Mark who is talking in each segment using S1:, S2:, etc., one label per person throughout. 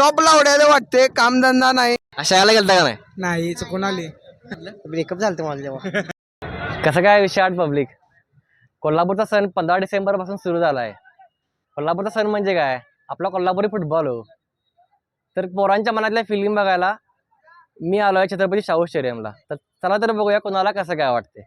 S1: Top लावड्याला वाटते, कामधंदा नाही.
S2: शाळेला गेलता का नाही?
S1: नाही चुकून आली.
S2: ब्रेकअप झालं मला जेव्हा. कसं काय विषय आठ पब्लिक. कोल्हापूरचा सण 15 डिसेंबर पासून सुरू झाला आहे. कोल्हापूरचा सण म्हणजे काय, आपला कोल्हापुरी फुटबॉल हो. तर पोरांच्या मनातल्या फिलिंग बघायला मी आलोय छत्रपती शाहू स्टेडियमला. तर चला तर बघूया कोणाला कसं काय वाटते.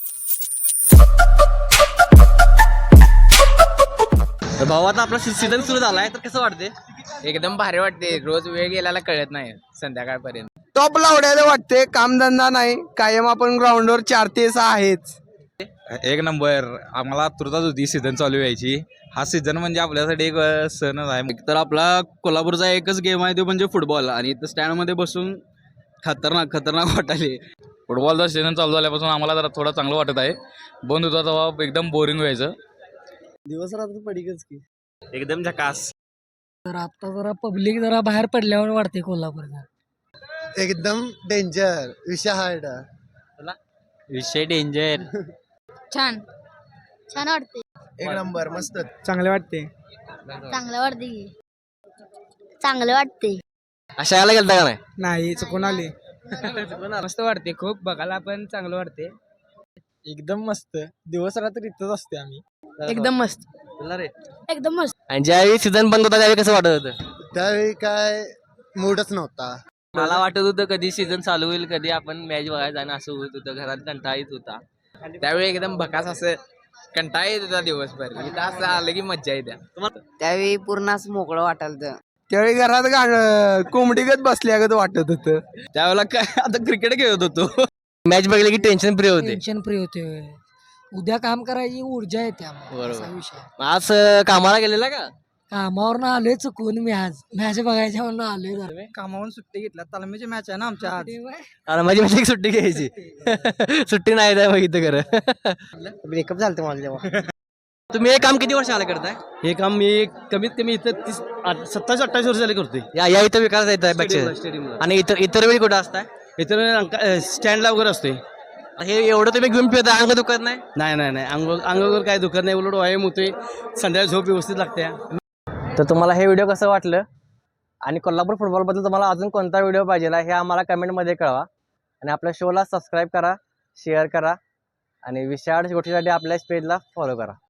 S2: भाऊ आता आपला सीझन सुरू झालाय, तर कसं वाटते?
S3: एकदम भारी वाटते. रोज वेळ गेल्याला कळत नाही संध्याकाळपर्यंत.
S1: टॉप लावड्याला वाटते, कामधंदा नाही. कायम आपण ग्राउंडवर 4 ते 6 आहेच.
S4: एक नंबर. आम्हाला आतुरताच होती सीझन चालू व्हायची. हा सीझन म्हणजे आपल्यासाठी एक सणच आहे.
S5: तर आपला कोल्हापूरचा एकच गेम आहे तो म्हणजे फुटबॉल, आणि इथं स्टँडमध्ये बसून खतरनाक वाटायले.
S4: फुटबॉलचा सीझन चालू झाल्यापासून आम्हाला जरा थोडं चांगलं वाटत आहे. बंद होता तेव्हा एकदम बोरिंग व्हायचं.
S2: दिवस रात्र पडिकच की
S4: एकदम झकास.
S6: तर आता जरा पब्लिक जरा बाहेर पडल्यावर वाटते कोल्हापूरला.
S1: एकदम डेंजर विषय हार्ड.
S2: विषय डेंजर.
S7: छान छान वाटते.
S1: एक नंबर मस्त.
S6: चांगले वाटते.
S7: चांगलं वाटते की चांगलं वाटते.
S2: शाळेला गेलता का नाही?
S6: नाही चुकून आली.
S3: मस्त वाटते खूप, बघायला पण चांगलं वाटते.
S6: एकदम मस्त. दिवस रात्र इथंच असते आम्ही.
S7: एकदम मस्त. एकदम मस्त.
S2: आणि ज्यावेळी सीझन बंद होता त्यावेळी कसं वाटत होतं?
S1: त्यावेळी काय मूडच नव्हता.
S2: मला वाटत होतं कधी सीझन चालू होईल, कधी आपण मॅच बघायला जाणं असं होत होतं. घरात कंटाळा येत होता.
S3: त्यावेळी एकदम भकास असं कंटाळा येत होता दिवसभर. इथं असं आलं की मज्जा येते.
S8: त्यावेळी पूर्ण असं मोकळं वाटायला.
S1: त्यावेळी घरात गाणं कोंबडीगत बसल्यागत वाटत होतं.
S5: त्यावेळेला काय आता क्रिकेट खेळत होतो.
S2: मॅच बघितली की टेन्शन फ्री होते.
S6: टेन्शन फ्री होते. उद्या काम करायची ऊर्जा येते आम्हाला.
S2: बरोबर.
S6: असा विषय.
S2: आज कामाला गेलेला का?
S6: कामावरनं आलोय चुकून मी आज. मॅच बघायच्या म्हणून आलोय जरा.
S1: कामावरून सुट्टी घेतला. तालमीची मॅच आहे ना आमच्या आज.
S2: अरे माझी एक सुट्टी घ्यायची. सुट्टी नाही द्या बघितलं खरं. ब्रेकअप झालं मला जेव्हा. तुम्ही हे काम किती वर्ष आला करताय?
S5: हे काम मी कमीत कमी इथं 27-28 वर्ष झाले करतोय.
S2: या इथं विकास येत आहे
S5: स्टेडियमला.
S2: आणि इतर वेळी कुठं असताय?
S5: इथं स्टँडला वगैरे असतोय.
S2: हे एवढं तुम्ही घेऊन फिरता, अंग दुखत नाही?
S5: नाही अंगावर काय दुखत नाही, उलट व्यायाम होतोय. संध्याकाळी झोप व्यवस्थित लागते.
S2: तर तुम्हाला हे व्हिडिओ कसं वाटलं आणि कोल्हापूर फुटबॉलबद्दल तुम्हाला अजून कोणता व्हिडिओ पाहिजे हे आम्हाला कमेंटमध्ये कळवा. आणि आपल्या शोला सबस्क्राईब करा, शेअर करा आणि विशाळ गोष्टीसाठी आपल्या पेजला फॉलो करा.